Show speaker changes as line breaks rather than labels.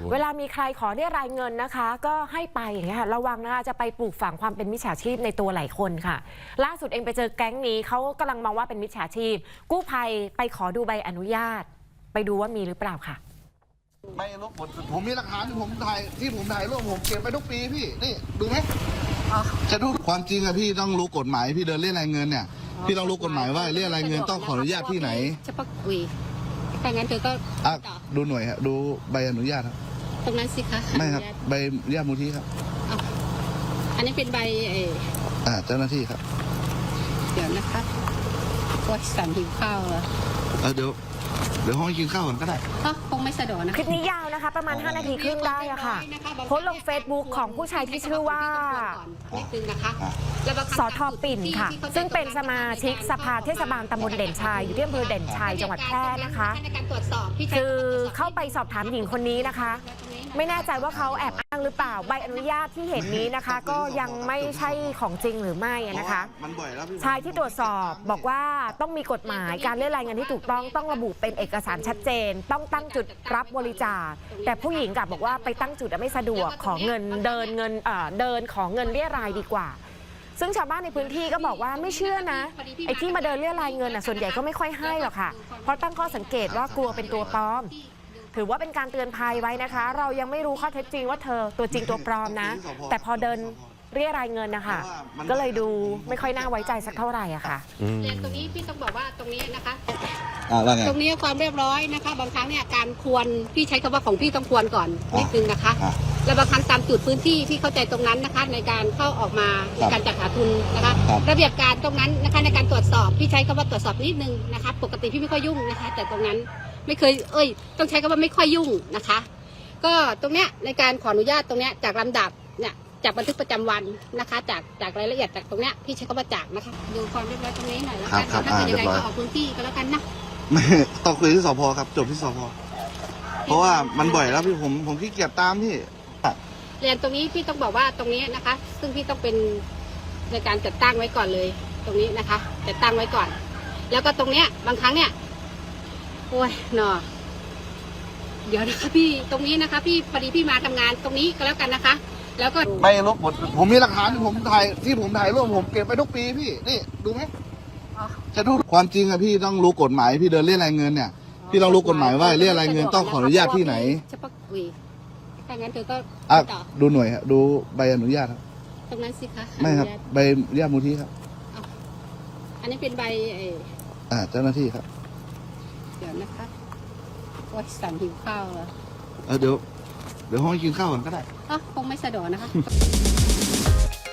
เวลามีใครขอเรียรายเงินนะคะก็ให้ไปอย่างเงี้ยค่ะระวังนะคะจะไปปลูกฝังความเป็นมิจฉาชีพในตัวหลายคนค่ะล่าสุดเองไปเจอแก๊งนี้เขากำลังมองว่าเป็นมิจฉาชีพกู้ภัยไปขอดูใบอนุญาตไปดูว่ามีหรือเปล่าค่ะ
ไม่รู้ผมมีหลักฐานที่ผมถ่ายรูปผมเก็บไปทุกปีพี่นี่ดูไหมจะดูความจริงอะพี่ต้องรู้กฎหมายพี่เดินเรียกรายเงินเนี่ยพี่ต้องรู้กฎหมายว่าเรียกรายเงินต้องขออนุญาตที่ไหน
เฉพาะถ้างั้นเธอก็
ดูหน่วยครับดูใบอนุญาตครับ
ตรงนั้นสิคะ
ไม่ครับใบอนุญาตมูลที่ครับ
อันนี้เป็นใบ
เจ้าหน้าที่ครับ
เดี๋ยวนะครับว่าสั่นหิวข้าวเหรอ
เดี๋ยวห้องกินข้าวก่อนก็ได้
คงไม่สะดวกนะ
คลิปนี้ยาวนะคะประมาณ5 นาทีครึ่งได้อะค่ะโพสต์ลง Facebook ของผู้ชายที่ชื่อว่าสท.ปิ่นค่ะซึ่งเป็นสมาชิกสภาเทศบาลตำบลเด่นชัยอยู่ที่อำเภอเด่นชัยจังหวัดแพร่นะคะคือเข้าไปสอบถามหญิงคนนี้นะคะไม่แน่ใจว่าเขาแอบอ้างหรือเปล่าใบอนุญาตที่เห็นนี้นะคะก็ยังไม่ใช่ของจริงหรือไม่นะคะชายที่ตรวจสอบบอกว่าต้องมีกฎหมายการเรียกรายเงินที่ถูกต้องระบุเป็นเอกสารชัดเจนต้องตั้งจุดรับบริจาคแต่ผู้หญิงกลับบอกว่าไปตั้งจุดไม่สะดวกขอเงินเดินขอเงินเรียรายดีกว่าซึ่งชาวบ้านในพื้นที่ก็บอกว่าไม่เชื่อนะไอ้ที่มาเดินเรียรายเงินส่วนใหญ่ก็ไม่ค่อยให้หรอกค่ะเพราะตั้งข้อสังเกตว่ากลัวเป็นตัวปลอมถือว่าเป็นการเตือนภัยไว้นะคะเรายังไม่รู้ข้อเท็จจริงว่าเธอตัวจริงตัวปลอมนะแต่พอเดินเรียรายเงินนะคะก็เลยดูไม่ค่อยน่าไว้ใจสักเท่าไหร่อะค่ะ
เรียนตรงนี้พี่ต้องบอกว่าตรงนี้นะคะตรงนี้ความเรียบร้อยนะคะบางครั้งเนี่ยการควรพี่ใช้คำว่าของพี่ต้องควรก่อนนิดนึงนะคะแล้วบางครั้งตามจุดพื้นที่พี่เข้าใจตรงนั้นนะคะในการเข้าออกมาในการจัดหาทุนนะคะระเบียบการตรงนั้นนะคะในการตรวจสอบพี่ใช้คำว่าตรวจสอบนิดนึงนะคะปกติพี่ไม่ค่อยยุ่งนะคะแต่ตรงนั้นไม่เคยต้องใช้คำว่าไม่ค่อยยุ่งนะคะก็ตรงเนี้ยในการขออนุญาตตรงเนี้ยจากลำดับเนี่ยจากบันทึกประจำวันนะคะจากรายละเอียดจากตรงเนี้ยพี่ใช้คำว่าจากนะคะดูความเรียบร้อยตรงนี้หน่อยแล้วกันถ้าเป็นยังไงก็ออกพื้นที่ก็แล้วกันนะ
ไม่ต้องคุยที่สพครับจบที่สพเพราะว่ามันบ่อยแล้วพี่ผมขี้เกียจตามพี่
เรียนตรงนี้พี่ต้องบอกว่าตรงนี้นะคะซึ่งพี่ต้องเป็นในการจัดตั้งไว้ก่อนเลยตรงนี้นะคะจัดตั้งไว้ก่อนแล้วก็ตรงเนี้ยบางครั้งเนี่ยโอ้ยหนอเดี๋ยวนะคะพี่ตรงนี้นะคะพี่พอดีพี่มาทำงานตรงนี้ก็แล้วกันนะคะแล้วก็
ไม่รู้ผมมีหลักฐานที่ผมถ่ายรูปผมเก็บไปทุกปีพี่นี่ดูไหมจะดูความจริงอะพี่ต้องรู้กฎหมายพี่เดินเรียกรายเงินเนี่ยพี่ต้องรู้กฎหมายว่าเรียกรายเงินต้องขออนุญาตที่ไหน
เฉพาะถ้างั้นเธอก็
ดูหน่วยครับดูใบอนุญาตครับ
ตรงนั้นสิคะ
ไม่ครับใบอนุญาตมูลที่ครับ
อันนี้เป็นใบ
เจ้าหน้าที่ครับ
เดี๋ยวนะคะว่าสั่นหิวข้าวเหรอ
เดี๋ยวห้องกินข้าวก่อนก็ได้
คงไม่สะดวกนะคะ